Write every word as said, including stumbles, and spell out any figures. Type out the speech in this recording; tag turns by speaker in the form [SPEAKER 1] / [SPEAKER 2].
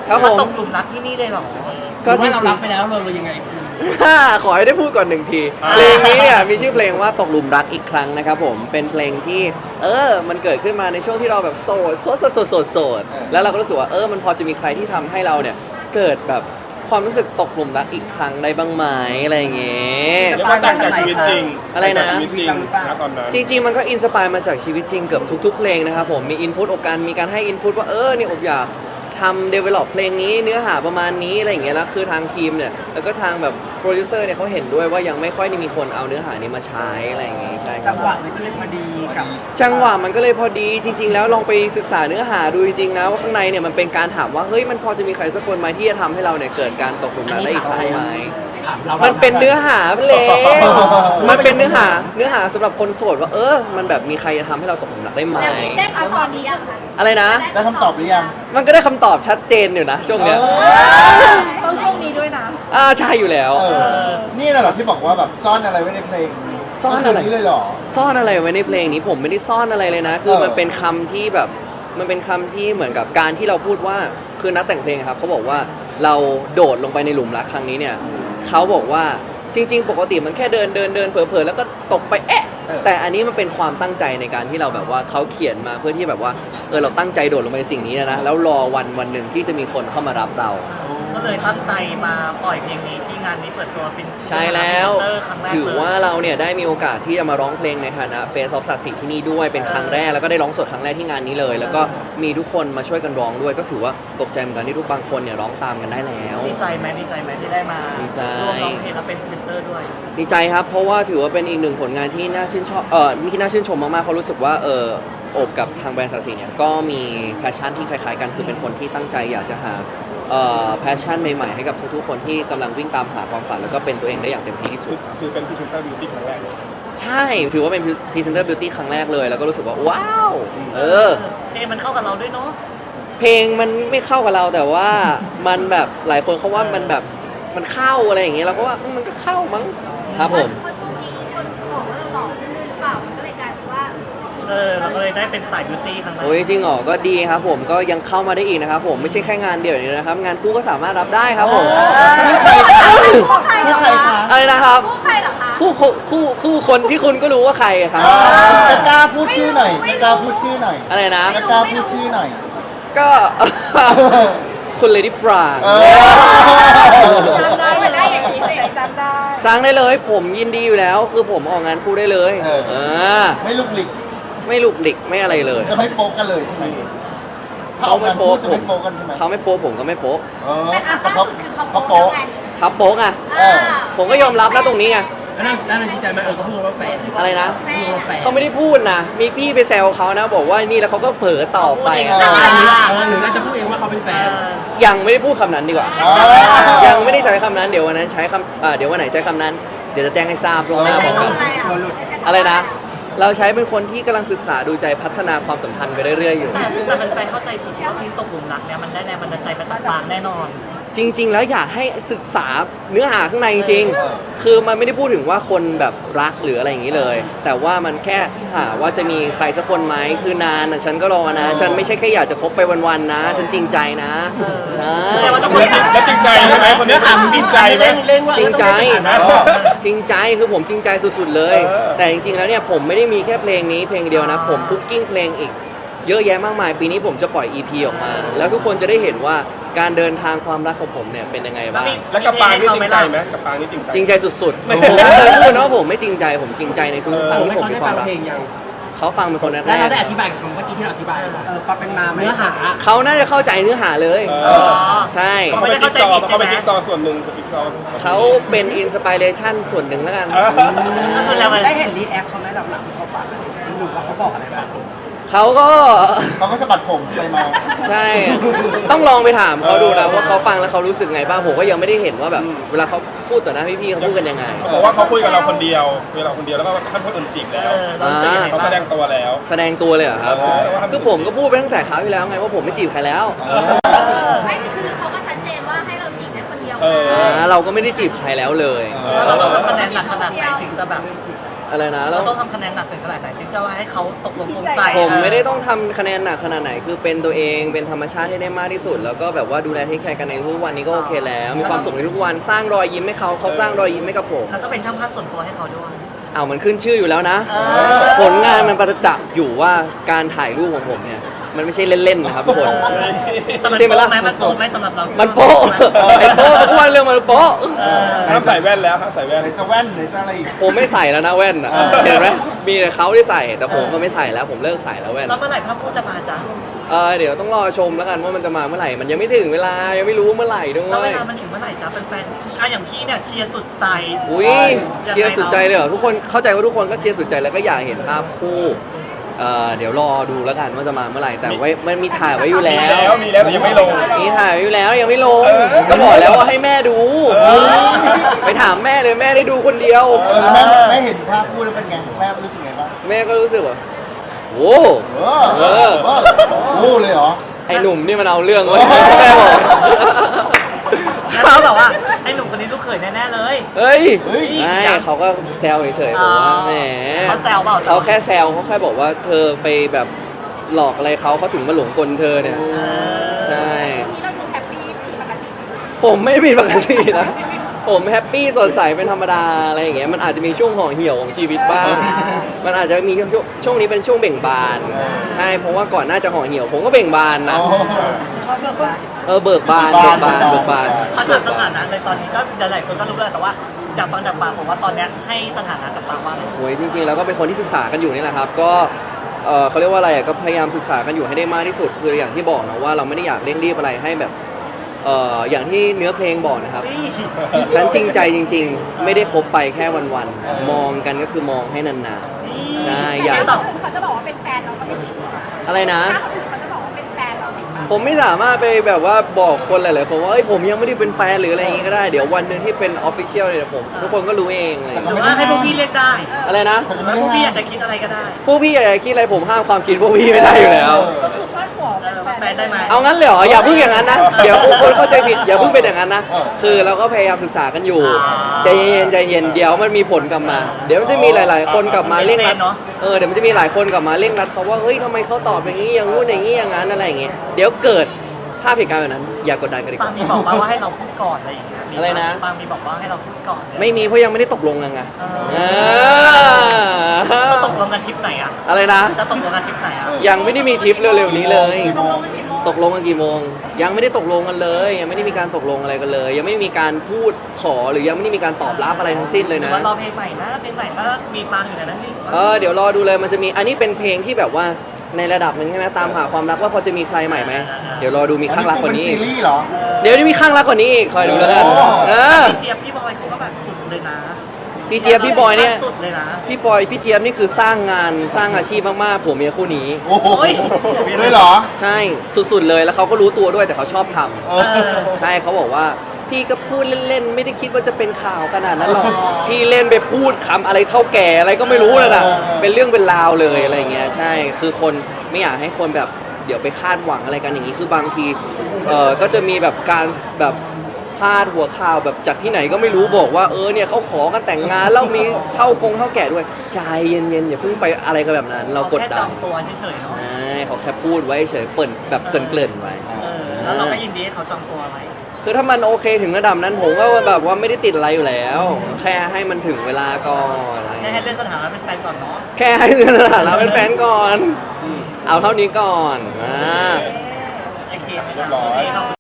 [SPEAKER 1] ครับผม
[SPEAKER 2] ตกหลุมรักที่นี่เลยเหรอ
[SPEAKER 1] ก็จริง
[SPEAKER 3] เรา
[SPEAKER 1] ๆ
[SPEAKER 3] รักไปแล้วเราเรายังไง
[SPEAKER 1] ขอให้ได้พูดก่อนหนึ่งทีเพลงนี้เนี่ยมีชื่อเพลงว่าตกหลุมรักอีกครั้งนะครับผมเป็นเพลงที่เออมันเกิดขึ้นมาในช่วงที่เราแบบโสดโสดโสดโสดโสดโสดแล้วเราก็รู้สึกว่าเออมันพอจะมีใครที่ทำให้เราเนี่ยเกิดแบบความรู้สึกตกหลุมรักอีกครั้งได้บ้างไหมอะไรอย่างเงี้ย
[SPEAKER 4] เรียกว่าต่างจากชีวิตจริง
[SPEAKER 1] อะไรนะ
[SPEAKER 4] ต่างจากชีวิตจริงนะตอนนั้น
[SPEAKER 1] จริงๆมันก็อินสปายมาจากชีวิตจริงเกือบทุกๆเพลงนะครับผมมีอินพุตอกการมีการให้อินพุตว่าเออเนี่ยอบอยากทำ develop เพลงนี้เนื้อหาประมาณนี้อะไรอย่างเงี้ยแล้วคือทางทีมเนี่ยแล้วก็ทางแบบโปรดิวเซอร์เนี่ยเขาเห็นด้วยว่ายังไม่ค่อยได้มีคนเอาเนื้อหานี้มาใช้อะไรอย่างเงี้ยใช่ครั
[SPEAKER 5] จั
[SPEAKER 1] บ
[SPEAKER 5] งหวะมันก็เลยพอดีกับ
[SPEAKER 1] จังหวะมันก็เลยพอดีจริง ๆ แล้วลองไปศึกษาเนื้อหาดูจริงๆนะว่าข้างในเนี่ยมันเป็นการถามว่าเฮ้ยมันพอจะมีใครสักคนไหมที่จะทำให้เราเนี่ยเกิดการตกหลุมรักได้อีกครั้งไหม
[SPEAKER 3] ถามเรา
[SPEAKER 1] มันเป็นเนื้อหาเพลงมันเป็นเนื้อหาเนื้อหาสำหรับคนโสดว่าเออมันแบบมีใครจะทำให้เราตกหลุมรักได้ไหม
[SPEAKER 6] แล้วได้คำตอบนี้ยังคะ
[SPEAKER 1] อะไรนะ
[SPEAKER 7] ได้คำตอบหรือยัง
[SPEAKER 1] มันก็ได้คำตอบชัดเจนอยู่นะช่วงเนี้ย
[SPEAKER 6] ต้องช่วงนี้ด้วยนะ
[SPEAKER 1] อ่าใช่อยู่แล้ว
[SPEAKER 7] เออ นี่น่ะเหรอที่บอกว่าแบบซ่อนอะไรไว้ในเพลง
[SPEAKER 1] ซ่อนอะไร
[SPEAKER 7] ก็คืนี้เลยเหรอ
[SPEAKER 1] ซ่อนอะไรไว้ในเพลงนี้ผมไม่ได้ซ่อนอะไรเลยนะ คือ
[SPEAKER 7] เออ
[SPEAKER 1] มันเป็นคำที่แบบมันเป็นคำที่เหมือนกับการที่เราพูดว่าคือนักแต่งเพลงครับเขาบอกว่าเราโดดลงไปในหลุมรักครั้งนี้เนี่ยเขาบอกว่าจริง ๆ ปกติมันแค่เดินเดินเดินเผลอๆแล้วก็ตกไปแอะแต่อันนี้มันเป็นความตั้งใจในการที่เราแบบว่าเขาเขียนมาเพื่อที่แบบว่าเออเราตั้งใจโดดลงไปในสิ่งนี้นะนะแล้วรอวันวันหนึ่งที่จะมีคนเข้ามารับเรา
[SPEAKER 2] ก็เลยตั้งใจมาปล่อยเพลงนี้ที่งานนี้เปิดตัวเป็น
[SPEAKER 1] ใช่แล้ว
[SPEAKER 2] พรีเซนเตอร์ครั้งแรก
[SPEAKER 1] ถือว่า
[SPEAKER 2] เลย
[SPEAKER 1] เราเนี่ยได้มีโอกาสที่จะมาร้องเพลงในฐานะเฟสออฟศักดิ์ศรีที่นี่ด้วยเป็นครั้งแรกแล้วก็ได้ร้องสดครั้งแรกที่งานนี้เลย แล้วก็มีทุกคนมาช่วยกันร้องด้วย ก็ถือว่าตกใจเหมือนกันที่ทุกบางคนเนี่ยร้องตามกันได้แล้ว
[SPEAKER 2] ดีใจไหมดีใจไหมที่ได้มา
[SPEAKER 1] ดีใจ
[SPEAKER 2] ร่วมร้องเพลงและเป็นพรีเซนเตอร์ด้วย
[SPEAKER 1] ดีใจครับเพราะว่าถือว่าเป็นอีกหนึ่งผลงานที่น่าชื่นชอบเออที่น่าชื่นชมมากๆเพราะรู้สึกว่าเออโอบกับทางแบรนด์ศักดิ์ศรีเนี่ยก็มีแพชชั่นที่คล้ายๆกันคือเป็นคนที่ตั้งใจอยากจะหาเอ่อแพชชั่นใหม่ๆให้กับทุกๆคนที่กำลังวิ่งตามหาความฝันแล้วก็เป็นตัวเองได้อย่างเต็มที่ที่สุ
[SPEAKER 4] คื
[SPEAKER 1] ด
[SPEAKER 4] อคือเป็นพรีเซนเตอร์บิวตี้ครั้งแรกเลย
[SPEAKER 1] ใช่ ถือว่าเป็นพรีเซนเตอร์บิวตี้ครั้งแรกเลย แล้วก็รู้สึกว่า ว้าว เออ
[SPEAKER 2] เพลงมันเข้ากับเราด้วยเนาะ
[SPEAKER 1] เพลงมันไม่เข้ากับเราแต่ว่ามันแบบหลายคนเขาว่ามันแบบมันเข้าอะไรอย่างเงี้ยเราก็ว่าอืมมันก็เข้ามั้งครับผม
[SPEAKER 6] เพราะช่วงนี้คนบอกว่าเราหล่อขึ้นหรือเปล่ามันก็เลยกลายเป็นว่า
[SPEAKER 2] เออเราก็เลยได้เป็นสายบิวตี้ครั้งแรก
[SPEAKER 1] โอ้ยจริงเหรอก็ดีครับผมก็ยังเข้ามาได้อีกนะครับผมไม่ใช่แค่งานเดียวอย่างนี้นะครับ งานคู่ก็สามารถรับได้ครับผม
[SPEAKER 6] คู่ใครเหรอ
[SPEAKER 7] คู่ใคร
[SPEAKER 6] คะ
[SPEAKER 7] คะ
[SPEAKER 1] อะไรนะครับ
[SPEAKER 6] คู่ใครเหรอคะ
[SPEAKER 1] คู่คู่คู่คู่คนที่คุณก็รู้ว่าใครครับ
[SPEAKER 7] จะกล้าพูดชื่อหน่อยจะกล้าพูดชื่อหน่อย
[SPEAKER 1] อะไรนะ
[SPEAKER 7] จะกล้าพูดชื่อหน่อย
[SPEAKER 1] ก็ คุณเลดี้ปราง
[SPEAKER 7] เออ
[SPEAKER 6] จำได้ได้อย่างนี้เลยจำได้
[SPEAKER 1] จ้างได้เลยผมยินดีอยู่แล้ว คือผมออกงานคู่ได้เลย
[SPEAKER 7] เออ
[SPEAKER 1] เออ
[SPEAKER 7] ไม่ลุกหลิก
[SPEAKER 1] ไม่ลุกดิกไม่อะไรเลย
[SPEAKER 7] จะไม่โป๊กกันเลยใช่ไหมถ้าออกงานพูดจะไม่โป๊กกันใช่ไหม
[SPEAKER 1] เขาไม่โป๊ะผมก็ไม่โป๊ะ
[SPEAKER 7] เออ
[SPEAKER 6] แต่ครั้ง
[SPEAKER 7] แต่
[SPEAKER 6] ล่า
[SPEAKER 7] เขา
[SPEAKER 6] สุดคือเขา
[SPEAKER 7] เขา
[SPEAKER 6] โป๊
[SPEAKER 7] โป๊ก
[SPEAKER 6] ไง
[SPEAKER 1] ครับโป๊ะอ่ะ
[SPEAKER 7] เออ
[SPEAKER 1] ผมก็ยอมรับนะตรงนี้ไง
[SPEAKER 3] แล้วนั่นแล้วนั่นดีใจไหมเออเขาพูดว่าแฟน
[SPEAKER 1] อะไรนะ
[SPEAKER 6] แม่
[SPEAKER 3] แฟน
[SPEAKER 1] เขาไม่ได้พูดนะ มีพี่ไปแซวเขานะ บอกว่านี่แล้วเขาก็เผลอต่อไป
[SPEAKER 2] เขาพูดเอง
[SPEAKER 3] อันนี้เออหรือเราจะพูดเองว่าเขาเป็นแฟน
[SPEAKER 1] ยังไม่ได้พูดคำนั้นดีกว่า
[SPEAKER 7] อ๋อ
[SPEAKER 1] ยังไม่ได้ใช้คำนั้น เดี๋ยววันนั้นใช้คำอ่าเดี๋ยววันไหนใช้คำนั้น เดี๋ยวจะแจ้งให้ทราบล่วงห
[SPEAKER 6] ไม่
[SPEAKER 1] น้า
[SPEAKER 6] ใช่
[SPEAKER 1] บอก
[SPEAKER 6] คำ
[SPEAKER 1] กัน
[SPEAKER 6] อะไรอ่ะ
[SPEAKER 1] อะไรนะ เราใช้เป็นคนที่กำลังศึกษาดูใจพัฒนาความสัมพันธ์ไปเรื่อยๆอยู่
[SPEAKER 2] แต่แต่เป็นแฟนเข้าใจผิดว่าเพลงตกหลุมรักเนี่ยมันได้แรงบันดาลใจมาจากปางแน่นอน
[SPEAKER 1] จริง ๆ แล้วอยากให้ศึกษาเนื้อหาข้างในจริง
[SPEAKER 7] เออ
[SPEAKER 1] ๆ คือมันไม่ได้พูดถึงว่าคนแบบรักหรืออะไรอย่างนี้เลย แต่ว่ามันแค่หาว่าจะมีใครสักคนไหมคือนานน่ะฉันก็รอนะ ฉันไม่ใช่แค่อยากจะคบไปวันๆนะ ฉันจริงใจนะใช่
[SPEAKER 2] แต่ว่าต้อง
[SPEAKER 4] แล้วจริงแล้วจริงใจใช่ไหมคนนี้ถามจริงใจไหม
[SPEAKER 3] เล่นว่า
[SPEAKER 1] จริงใจ
[SPEAKER 4] นะ
[SPEAKER 1] จริงใจคือผมจริงใจสุดๆเลย
[SPEAKER 4] เออ
[SPEAKER 1] แต่จริงๆแล้วเนี่ยผมไม่ได้มีแค่เพลงนี้เพลงเดียวนะ ผมคุกกิ้งเพลงอีก เยอะแยะมากมาย ปีนี้ผมจะปล่อย อี พี ออกมา แล้วทุกคนจะได้เห็นว่าการเดินทางความรักของผมเนี่ยเป็นยังไงบ้าง
[SPEAKER 4] แล้วกับปางนี่จริงใจไหมกับปางนี่จริงใจ
[SPEAKER 1] จริงใจสุดๆ ผมไม่เคยพูดนะว่าผมไม่จริงใจ ผมจริงใจในทุกครั้ง
[SPEAKER 3] ไม่
[SPEAKER 1] ที่ผม
[SPEAKER 3] เขา
[SPEAKER 1] มี
[SPEAKER 3] ได้
[SPEAKER 1] ควา
[SPEAKER 3] ฟั
[SPEAKER 1] ม
[SPEAKER 3] ง
[SPEAKER 1] รัก
[SPEAKER 3] เพลงยัง
[SPEAKER 1] เขาฟังเป็นคนแร
[SPEAKER 3] แล้วเราได้
[SPEAKER 1] ก
[SPEAKER 3] อธิบายกับคำเมื่อกี้ที่เราอธิบายป่ะ
[SPEAKER 5] เออความเป็นมาไหม
[SPEAKER 3] เนื้อหา
[SPEAKER 1] ๆเขาน่าจะเข้าใจเนื้อหาเลย
[SPEAKER 4] เออ
[SPEAKER 1] ใช่
[SPEAKER 4] เขาเป็นจิ๊กซอว์เขาเป็นจิ๊กซอว์ส่วนหนึ่งเป็นจิ๊กซอว์
[SPEAKER 1] เขาเป็นอินสปิเรชันส่วนหนึ่งแล้วกัน
[SPEAKER 4] เออ
[SPEAKER 2] ก็คือเรา
[SPEAKER 5] ได้เห็นรีแอคเขาไหมหลังๆที่เขาฝากอะไรหรือว่าเขาบอกอะไรบ้าง
[SPEAKER 1] เขาก็
[SPEAKER 7] เขาก็สะบัดผมไปมา
[SPEAKER 1] ใช่ ต้องลองไปถามเขาดูนะว่าเขาฟังแล้วเขารู้สึกไงบ้าง ผมก็ยังไม่ได้เห็นว่าแบบ เวลาเขาพูดต่อหน้าพี่ๆเขาพูดกันยังไง
[SPEAKER 4] เขาบอกว่าเขาคุยกับเราคนเดียวคุยกับเราคนเดียวแล้วก็ท่านคนอื่นจีบแล้ว
[SPEAKER 2] เออเรารู้สึกยังไง
[SPEAKER 4] เขา
[SPEAKER 2] บ้าง
[SPEAKER 4] แสดงตัวแล้ว
[SPEAKER 1] แสดงตัวเลยเหรอครับ
[SPEAKER 4] เออว่าทำ
[SPEAKER 1] คือผมก็พูดไปตั้งแต่คราวที่แล้วไงว่าผมไม่จีบใครแล้ว
[SPEAKER 6] ไม่คือเขาก็ชัดเจนว่าให้เราจีบได้คนเดียว
[SPEAKER 4] เออ
[SPEAKER 1] อ่าเราก็ไม่ได้จีบใครแล้วเลย
[SPEAKER 2] แล้วเราต้องทำคะแนนหนักขนาดไหนถึงจะแบบ
[SPEAKER 1] อะไรนะแล้
[SPEAKER 2] เรา
[SPEAKER 1] ว
[SPEAKER 2] ต้องทำคะแนนหนักถึงขนาดไหนถึงจะว่าให้เขาตกลงปลงใจ
[SPEAKER 1] ผมไม่ได้ต้องทำคะแนนหนักขนาดไหนคือเป็นตัวเองเป็นธรรมชาติให้ได้มากที่สุด แล้วก็แบบว่าดูแลเทคแคร์กันในทุกวันนี้ก็โอเคแล้วมีความสุขในทุกวันสร้างรอยยิ้มให้เขาเขาสร้างรอยยิ้มให้กับผม
[SPEAKER 2] แล้วก็เป็นช่างภาพส่วนตัวให้เขาด้วย
[SPEAKER 1] เอามันขึ้นชื่ออยู่แล้วนะ
[SPEAKER 2] เออ
[SPEAKER 1] ผลงานมันประจักษ์อยู่ว่าการถ่ายรูปของผมเนี่ยมันไม่ใช่เล่นๆนะครับทุกคน
[SPEAKER 2] แต่มัน
[SPEAKER 1] ใช่ไหม
[SPEAKER 2] โป๊ะ
[SPEAKER 1] ล่ะ
[SPEAKER 2] ไหมมันโป๊ะไหมสำหรับเรา
[SPEAKER 1] มันโป๊ะไอ้โป๊ะทุกวันเรื่องมันโป๊ะ
[SPEAKER 2] เออ
[SPEAKER 4] ห้ามใส่แว่นแล้วห้ามใส่แว่น
[SPEAKER 5] ไหนจะแว่นไหนจะอะไรอีก
[SPEAKER 1] ผมไม่ใส่แล้วนะแว่นอ่ะ
[SPEAKER 5] เออ
[SPEAKER 1] เห็นไหมมีแต่เขาที่ใส่แต่ผมก็ไม่ใส่แล้วผมเลิกใส่แล้วแว่น
[SPEAKER 2] แล้วเมื่อไหร่ภาพคู่จะมาจ๊ะ
[SPEAKER 1] เออเดี๋ยวต้องรอชมแล้วกันว่ามันจะมาเมื่อไหร่มันยังไม่ถึงเวลายังไม่รู้เมื่อไหร่ด้ว
[SPEAKER 2] แล้วเวย ลามันถึงเมื่อไหร่จ๊ะแฟนๆอ่ะอย่างพี่เนี่ยเชียร์สุดใจ
[SPEAKER 1] อุ้ยเชียร์สุดใจเลยเหรอทุกคนเข้าใจว่าทุกคนก็เชียร์สุดใจแล้วก็อยากเห็นภาพคู่เอ่อเดี๋ยวรอดูแล้วกันว่าจะมาเมื่อไหร่แต่ไว้มันมีถ่ายไว้อยู่
[SPEAKER 4] มี
[SPEAKER 1] แล้
[SPEAKER 4] แล้ว วมีแล้วแต่ยังไม่ลง
[SPEAKER 1] มีถ่ายไว้อยู่แล้วยังไม่ลง
[SPEAKER 4] เออ
[SPEAKER 1] ก็บอกแล้วว่าให้แม่ดู
[SPEAKER 4] เออ
[SPEAKER 1] ไปถามแม่เลยแม่ได้ดูคนเดียว
[SPEAKER 5] เออแล้วแม่แม่เห็นภาพคู่แล้วเป็นไงแม่รู้สึกไงบ้าง
[SPEAKER 1] แม่ก็รู้สึกว่าโอ้
[SPEAKER 5] เออเออเออโอ้เลยเหรอ
[SPEAKER 1] ไอ้หนุ่มนี่มันเอาเรื่องเว้ยแม่บอก
[SPEAKER 2] แล้วเขาบอกว่าให้หนุ่มคนนี้ลูกเขยแน่ๆเลย
[SPEAKER 1] เฮ้ย
[SPEAKER 5] เฮ้ย
[SPEAKER 1] ไม่เขาก็แซวเฉยๆผมว่าแหม
[SPEAKER 2] เขาแซวเปล่า
[SPEAKER 1] เขาแค่แซวเขาแค่บอกว่าเธอไปแบบหลอกอะไรเขาเขาถึงมาหลงกลเธอเนี่ย ใช่
[SPEAKER 6] นี่เราดูแฮปปี้ผิดปกติ
[SPEAKER 1] ผมไม่ผิดปกตินะ ผมแฮปปี้สดใสเป็นธรรมดาอะไรอย่างเงี้ย มันอาจจะมีช่วงห่อเหี่ยวของชีวิตบ้าง มันอาจจะมีช่วงช่วงนี้เป็นช่วงเบ่งบาน ใช่ เพราะว่าก่อนหน้าจะห่อเหี่ยว ผมก็เบ่งบานนะ
[SPEAKER 5] อ๋อ
[SPEAKER 1] เออเบิกบาน
[SPEAKER 5] เบิ
[SPEAKER 1] เบิ
[SPEAKER 5] ก
[SPEAKER 1] ก
[SPEAKER 5] บา
[SPEAKER 1] บาน น เบิกบาน
[SPEAKER 2] เขาถามสถานะเลยตอนนี้ก็หลายๆคนก็รู้แล้วแต่ว่าอยากฟังจากปากผมว่าตอนเนี้ยให้สถานะกับปากว่าอะไร
[SPEAKER 1] โอ้ยจริงๆแล้วก็เป็นคนที่ศึกษากันอยู่นี่แหละครับ ก็เออเขาเรียกว่าอะไรอ่ะก็พยายามศึกษากันอยู่ให้ได้มากที่สุด คืออย่างที่บอกนะว่าเราไม่ได้อยากเร่งรีบอะไรให้แบบเอออย่างที่เนื้อเพลงบอกนะครับ
[SPEAKER 2] นี่
[SPEAKER 1] ฉันจริงใจจริง ๆ ไม่ได้คบไปแค่วันๆ มองกันก็คือมองให้นาน
[SPEAKER 2] นี่
[SPEAKER 1] ใช่
[SPEAKER 6] แต่
[SPEAKER 1] อยาก
[SPEAKER 6] ถ้าคนอื่นเขาจะบอกว่าเป็นแฟนเราก็ไม่ติด
[SPEAKER 1] ๆ อะไรนะ
[SPEAKER 6] ถ้าคนอื่นเขาจะบอกว่าเป็นแฟนเราติดปะ
[SPEAKER 1] ผมไม่สามารถไปแบบว่าบอกคนหลายๆคนว่าเอ้ยผมยังไม่ได้เป็นแฟนหรืออะไรอย่างงี้ก็ได้ เดี๋ยววันหนึ่งที่เป็นออฟฟิเชียลเนี่ยผมทุกคนก็รู้เองเลย
[SPEAKER 2] หรือว่าให้พวกพี่เรียกได้
[SPEAKER 1] อะไรนะ
[SPEAKER 2] หรือว่าพวกพี่อยากจะคิดอะไรก็ได้
[SPEAKER 1] พวกพี่อยากจะคิดอะไรผมห้ามความคิดพวกพี่ไม่ได้อยู่แล้ว
[SPEAKER 6] ก็คือพาดหัว
[SPEAKER 2] เออว่าแฟนได้ไหม
[SPEAKER 1] เอางั้นเลยเหรออย่าเพิ่งอย่างนั้นนะเดี๋ยวคนเข้าใจผิดอย่าเพิ่งเป็นอย่างนั้นนะ
[SPEAKER 5] เออ
[SPEAKER 1] คือเราก็พยายามศึกษากันอยู่
[SPEAKER 2] อ่า
[SPEAKER 1] ใจเย็นๆใจเย็นเดี๋ยวมันมีผลกลับมา เดี๋ยวมันจะมีหลาย ๆ คนกลับมาเร่งรัด
[SPEAKER 2] เนาะ
[SPEAKER 1] เออเดี๋ยวมันจะมีหลายคนกลับมาเร่งรัดเขาว่าเฮ้ยทำไมเขาตอบอย่างนี้อย่างงู้นอย่างนี้อย่างนั้นอะไรอย่างเงี้ยเดี๋ยวเกิดภาพเหตุการณ์แบบนั้น อย่ากดดันกันดีก
[SPEAKER 2] ปาง
[SPEAKER 1] ว่า
[SPEAKER 2] มีบอกมาว่าให้เราพูดก่อนอะไรอย่างเงี้ยมี
[SPEAKER 1] อะไรนะ
[SPEAKER 2] ปางมีบอกว่าให้เราพูดก่อน
[SPEAKER 1] ไม่มีเพราะยังไม่ได้ตกลงกันไง
[SPEAKER 2] เออ
[SPEAKER 1] เออ
[SPEAKER 2] จะตกลงกันทริปไหนอ่ะ
[SPEAKER 1] อะไรนะ
[SPEAKER 2] จะตกลงกันทริปไหนอ่ะ
[SPEAKER 1] ยังไม่ได้มีทริปเร็วๆนี้เลย
[SPEAKER 6] ตกลงกันกี่โมง
[SPEAKER 1] ตกลงกันกี่โมง ยังไม่ได้ตกลงกันเลย ยังไม่ได้มีการตกลงอะไรกันเลย ยังไม่ได้มีการพูดขอหรือยังไม่ได้มีการตอบรับอะไรทั้งสิ้นเลย
[SPEAKER 2] หรือ
[SPEAKER 1] นะ
[SPEAKER 2] ว่ารอเพลงใหม่นะเพลงใหม่ถ้ามีปางอยู่ในนั้นนี่
[SPEAKER 1] เออเดี๋ยวรอดูเลยมันจะมีอันนี้เป็นเพลงที่แบบว่าในระดับหนึ่งใช่ไหมตามหาความรักว่าพอจะมีใครใหม่ไหมเดี๋ยวรอดูมีข้างรักกว่านี้
[SPEAKER 5] เป็
[SPEAKER 1] อี
[SPEAKER 5] ซี
[SPEAKER 1] ก
[SPEAKER 5] รีส์เหรอ
[SPEAKER 1] เดี๋ยวจะมีข้างรักกว่านี้อีกคอยดูแล้วกัน
[SPEAKER 5] โอ้
[SPEAKER 1] เออ
[SPEAKER 2] พี่เจี๊ยบพี่บอยเขาก็แบบสุดเลยนะ
[SPEAKER 1] พี่เจี๊ยบพี่บอยเนี่ย
[SPEAKER 2] สุดเลยนะ
[SPEAKER 1] พี่บอยพี่เจี๊ยบนี่คือสร้างงานสร้างอาชีพมากๆผมเมียคู่นี้
[SPEAKER 5] โอ้โห
[SPEAKER 2] โอ้ย
[SPEAKER 5] เลยเหรอ
[SPEAKER 1] ใช่สุดๆเลยแล้วเขาก็รู้ตัวด้วยแต่เขาชอบทำ
[SPEAKER 5] เออ
[SPEAKER 1] ใช่เขาบอกว่าพี่ก็พูดเล่นๆไม่ได้คิดว่าจะเป็นข่าวขนาดนั้นหรอกพี่เล่นไปพูดคำอะไรเท่าแก่อะไรก็ไม่รู้เลยนะ
[SPEAKER 5] เออ
[SPEAKER 1] เป็นเรื่องเป็นราวเลยอะไรเงี้ยใช่คือคนไม่อยากให้คนแบบเดี๋ยวไปคาดหวังอะไรกันอย่างนี้คือบางทีเออก็จะมีแบบการแบบพาดหัวข่าวแบบจากที่ไหนก็ไม่รู้บอกว่าเออเนี่ยเขาขอกันแต่งงานแล้วมีเท่ากงเท่าแก่ด้วยใจเย็นๆอย่าเพิ่งไปอะไรกันแบบนั้น เรากด
[SPEAKER 2] แค่
[SPEAKER 1] ดั
[SPEAKER 2] จ
[SPEAKER 1] น
[SPEAKER 2] องตัวเฉยๆเนาะ
[SPEAKER 1] ใช่เขาแค่พูดไว้เฉยเปิ่นแบบเกริ่นๆไว้
[SPEAKER 2] เออแล้วเราก็ยินดีให้เขาจองตัวไว้
[SPEAKER 1] คือถ้ามันโอเคถึงระดับนั้นผมก็แบบว่าไม่ได้ติดอะไรอยู่แล้ว แค่ให้มันถึงเวลาก่อนอะไร
[SPEAKER 2] แค่ให้เลื่อนสถานะเป็นแฟนก่อนเนาะ
[SPEAKER 1] แค่ให้สถานะเป็นแฟนก่อน เอาเท่านี้ก่อนอ่า
[SPEAKER 2] โอเคไหม
[SPEAKER 4] เรียบร้อย
[SPEAKER 2] โอเคครับ